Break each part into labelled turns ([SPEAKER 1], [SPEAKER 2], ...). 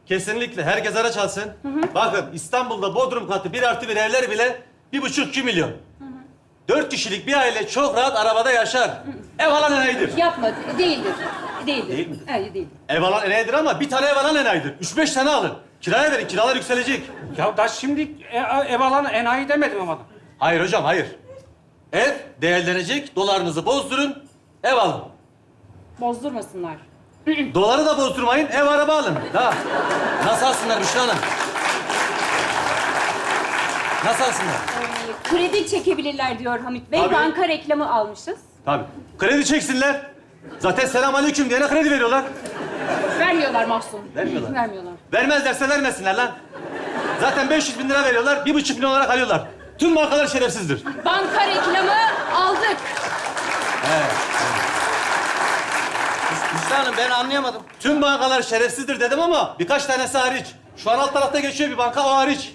[SPEAKER 1] Kesinlikle. Herkes araç alsın. Bakın İstanbul'da Bodrum katı 1+1 evler bile 1,5-2 milyon. 4 kişilik bir aile çok rahat arabada yaşar. Ev alan enayidir.
[SPEAKER 2] Yapma, değildir. Değildir.
[SPEAKER 1] Değil midir?
[SPEAKER 2] Hayır, değildir.
[SPEAKER 1] Ev alan enayidir ama bir tane ev alan enayidir. 3-5 tane alın. Kiraya verin, kiralar yükselecek.
[SPEAKER 3] Ya da şimdi ev alan enayi demedim ama.
[SPEAKER 1] Hayır hocam, hayır. Ev değerlenecek, dolarınızı bozdurun, ev alın.
[SPEAKER 2] Bozdurmasınlar.
[SPEAKER 1] Doları da bozdurmayın, ev araba alın. Daha. Nasıl alsınlar Büşra Hanım? Nasıl alsınlar?
[SPEAKER 2] Kredi çekebilirler diyor Hamit Bey.
[SPEAKER 1] Tabii.
[SPEAKER 2] Banka reklamı almışız.
[SPEAKER 1] Tabii. Kredi çeksinler. Zaten selamünaleyküm diyene kredi veriyorlar.
[SPEAKER 2] Vermiyorlar Mahsun.
[SPEAKER 1] Vermiyorlar.
[SPEAKER 2] Vermiyorlar.
[SPEAKER 1] Vermezlerse vermesinler lan. Zaten 500 bin lira veriyorlar, 1,5 milyon olarak alıyorlar. Tüm bankalar şerefsizdir.
[SPEAKER 2] Banka reklamı aldık.
[SPEAKER 4] Hüsnü Hanım ben anlayamadım.
[SPEAKER 1] Tüm bankalar şerefsizdir dedim ama birkaç tanesi hariç. Şu an alt tarafta geçiyor bir banka, o hariç.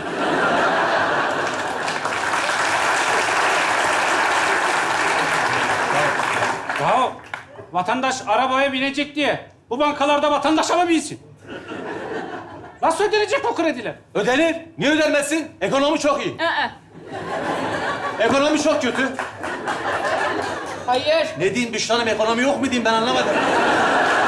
[SPEAKER 3] Ya vatandaş arabaya binecek diye bu bankalarda vatandaşa mı binsin? Nasıl ödenecek o krediler?
[SPEAKER 1] Ödenir. Niye ödenmesin? Ekonomi çok iyi. Ekonomi çok kötü.
[SPEAKER 2] Hayır.
[SPEAKER 1] Ne diyeyim Büşra Hanım, ekonomi yok mu diyeyim ben anlamadım.